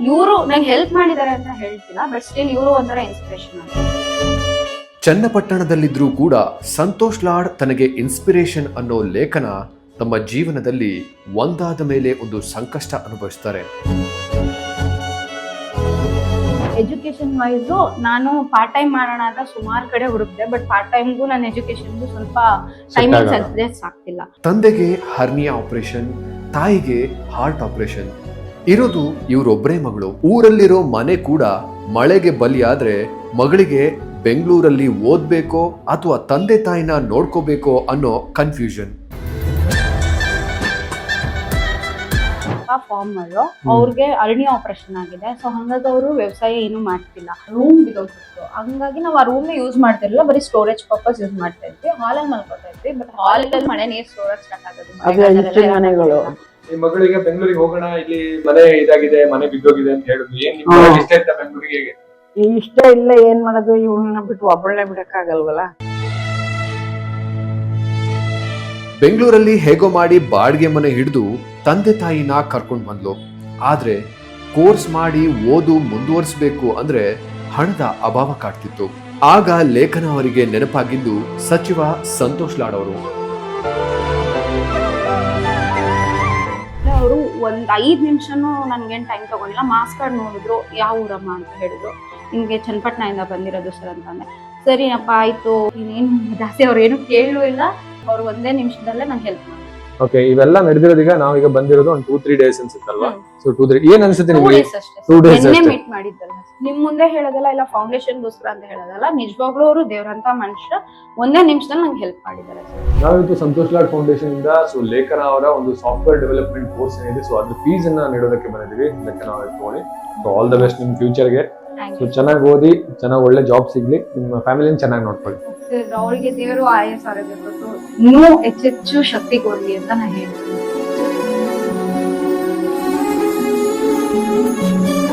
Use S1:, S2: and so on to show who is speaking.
S1: ಇವರು ನಂಗೆ ಹೆಲ್ಪ್ ಮಾಡಿದ್ದಾರೆ ಅಂತ ಹೇಳ್ತಿಲ್ಲ, ಬಟ್ ಸ್ಟಿಲ್ ಇವರು ಒಂಥರ ಇನ್ಸ್ಪಿರೇಷನ್ ಅಂತ.
S2: ಚನ್ನಪಟ್ಟಣದಲ್ಲಿದ್ರೂ ಕೂಡ ಸಂತೋಷ್ ಲಾಡ್ ತನಗೆ ಇನ್ಸ್ಪಿರೇಷನ್ ಅನ್ನೋ ಲೇಖನ ತಮ್ಮ ಜೀವನದಲ್ಲಿ ಒಂದಾದ ಮೇಲೆ ಒಂದು ಸಂಕಷ್ಟ ಅನುಭವಿಸ್ತಾರೆ.
S1: ಎಜುಕೇಶನ್ ವೈಸ್ ನಾನು ಪಾರ್ಟ್ ಟೈಮ್ ಮಾಡೋಣ ಅಂತ ಸುಮಾರು ಕಡೆ ಹುಡುಕ್ದೆ, ಬಟ್ ಪಾರ್ಟ್ ಟೈಮ್ಗೂ ನನ್ನ ಎಜುಕೇಶನ್ಗೂ ಸ್ವಲ್ಪ ಟೈಮಿಂಗ್ಸ್ ಅಡ್ಜಸ್ಟ್ ಆಗ್ತಿಲ್ಲ.
S2: ತಂದೆಗೆ ಹರ್ನಿಯಾ ಆಪರೇಷನ್, ತಾಯಿಗೆ ಹಾರ್ಟ್ ಆಪರೇಷನ್. ಇರೋದು ಇವರೊಬ್ಬರೇ ಮಗಳು. ಊರಲ್ಲಿರೋ ಮನೆ ಕೂಡ ಮಳೆಗೆ ಬಲಿಯಾದ್ರೆ ಮಗಳಿಗೆ ಬೆಂಗಳೂರಲ್ಲಿ ಓದ್ಬೇಕೋ ಅಥವಾ ತಂದೆ ತಾಯಿನ ನೋಡ್ಕೋಬೇಕೋ ಅನ್ನೋ ಕನ್ಫ್ಯೂಷನ್.
S1: ಫಾರ್ಮರ್ ಅವ್ರಿಗೆ ಅರ್ನಿ ಆಪರೇಷನ್ ಆಗಿದೆ, ಸೊ ಹಂಗಾಗಿ ಅವರು ವ್ಯವಸಾಯ ಏನು ಮಾಡ್ತಿಲ್ಲ. ರೂಮ್ ಬಿದ್ದೋಗ್ತಿತ್ತು, ಹಂಗಾಗಿ ನಾವು ಆ ರೂಮ್ ಯೂಸ್ ಮಾಡ್ತಿರ್ಲಿಲ್ಲ, ಬರೀ ಸ್ಟೋರೇಜ್ ಪರ್ಪಸ್ ಯೂಸ್ ಮಾಡ್ತಾ ಇದ್ವಿ. ಹಾಲಲ್ಲಿ ಮಲ್ಕೋತಾ ಇದ್ವಿ, ಬಟ್ ಹಾಲಲ್ಲಿ ಮಳೆ ನೀರು ಸ್ಟೋರೇಜ್ ಸ್ಟಾರ್ಟ್ ಆಗೋದು.
S3: ಮನೆಗಳು
S4: ಈ ಮಗಳಿಗೆ ಬೆಂಗಳೂರಿಗೆ ಹೋಗೋಣ, ಇಲ್ಲಿ ಮನೆ ಇದಾಗಿದೆ, ಮನೆ ಬಿದ್ದೋಗಿದೆ ಅಂತ ಹೇಳಿದ್ವಿ. ಏನ್ ಇಷ್ಟ ಆಯ್ತಾ ಬೆಂಗಳೂರಿಗೆ?
S3: ಇಷ್ಟ ಇಲ್ಲ, ಏನ್ ಮಾಡೋದು, ಇವಳನ್ನ ಬಿಟ್ಟು ಒಬ್ಬಳನ್ನೇ ಬಿಡಕ್ಕಾಗಲ್ವಲ್ಲ.
S2: ಬೆಂಗಳೂರಲ್ಲಿ ಹೇಗೋ ಮಾಡಿ ಬಾಡಿಗೆ ಮನೆ ಹಿಡಿದು ತಂದೆ ತಾಯಿನ ಕರ್ಕೊಂಡು ಬಂದ್ಲು. ಆದ್ರೆ ಕೋರ್ಸ್ ಮಾಡಿ ಓದು ಮುಂದುವರಿಸಬೇಕು ಅಂದ್ರೆ ಹಣದ ಅಭಾವ ಕಾಡ್ತಿತ್ತು. ಆಗ ಲೇಖನ ಅವರಿಗೆ ನೆನಪಾಗಿದ್ದು ಸಚಿವ ಸಂತೋಷ್ ಲಾಡ್ ಅವರು.
S1: ಅವರು ಒಂದ್ 5 ನಿಮಿಷನೂ ನನ್ಗೇನ್ ಟೈಮ್ ತಗೊಂಡಿಲ್ಲ. ಮಾಸ್ ಕಾರ್ಡ್ ನೋಡಿದ್ರು, ಯಾವ ಊರಮ್ಮ ಅಂತ ಹೇಳಿದ್ರು. ನಿಮ್ಗೆ ಚನ್ನಪಟ್ಟಣದಿಂದ ಬಂದಿರೋದು ಸರ್ ಅಂತ ಅಂದೆ. ಸರಿ ಅಪ್ಪ ಆಯ್ತು, ಇನ್ನೇನು ಜಾಸ್ತಿ ಅವ್ರು ಏನು ಕೇಳೂ ಇಲ್ಲ. ಅವ್ರು ಒಂದೇ ನಿಮಿಷದಲ್ಲೇ ನಂಗೆ ಹೆಲ್ಪ್ ಮಾಡಿ.
S4: ಓಕೆ, ಇವೆಲ್ಲ ನಡೆದಿರೋದೀಗ ನಾವೀಗ ಬಂದಿರೋದು ಒಂದು 2-3 ಡೇಸ್ ಅನ್ಸುತ್ತಲ್ವಾ? ಸೊ 2-3 ಏನ್ ಅನ್ಸುತ್ತೆ ನಿಮ್ಗೆ? 2 days
S1: ನಿನ್ನೆ
S4: ಅಷ್ಟೇ
S1: ಮೀಟ್ ಮಾಡಿದ್ದಲ್ಲ, ನಿಮ್ ಮುಂದೆ ಹೇಳೋದಲ್ಲ, ಇಲ್ಲ ಫೌಂಡೇಶನ್ಗೋಸ್ಕರ ಅಂತ ಹೇಳೋದಲ್ಲ. ನಿಜವಾಗ್ಲೂ ಅವರು ದೇವ್ರಂತ ಮನುಷ್ಯ, ಒಂದೇ ನಿಮಿಷದಲ್ಲಿ ನಂಗೆ ಹೆಲ್ಪ್ ಮಾಡಿದ್ದಾರೆ.
S4: ನಾವಿತ್ತು ಸಂತೋಷ್ ಲಾಡ್ ಫೌಂಡೇಶನ್ ಇಂದ ಸೊ ಲೇಖನ ಅವರ ಒಂದು ಸಾಫ್ಟ್ವೇರ್ ಡೆವಲಪ್ಮೆಂಟ್ ಕೋರ್ಸ್ ಏನಿದೆ, ಸೊ ಅದ್ರ ಫೀಸ್ ಅನ್ನ ನೀಡೋದಕ್ಕೆ ಬಂದಿದ್ದೀವಿ. ಲೇಖನ ಅವರ ತಗೊಳ್ಳಿ. ಸೊ ಆಲ್ ದ ಬೆಸ್ಟ್ ನಿಮ್ ಫ್ಯೂಚರ್ಗೆ. ಸೊ ಚೆನ್ನಾಗಿ ಓದಿ, ಚೆನ್ನಾಗಿ ಒಳ್ಳೆ ಜಾಬ್ ಸಿಗ್ಲಿ, ನಿಮ್ಮ ಫ್ಯಾಮಿಲಿನ ಚೆನ್ನಾಗಿ ನೋಡ್ಕೊಳ್ಳಿ.
S1: ಅವರಿಗೆ ದೇವರು ಆಯಸ್ ಆರೋಗ್ಯ ಕೊಟ್ಟು ಇನ್ನೂ ಹೆಚ್ಚೆಚ್ಚು ಶಕ್ತಿ ಕೊಡ್ಲಿ ಅಂತ ನಾನು ಹೇಳ್ತೀನಿ.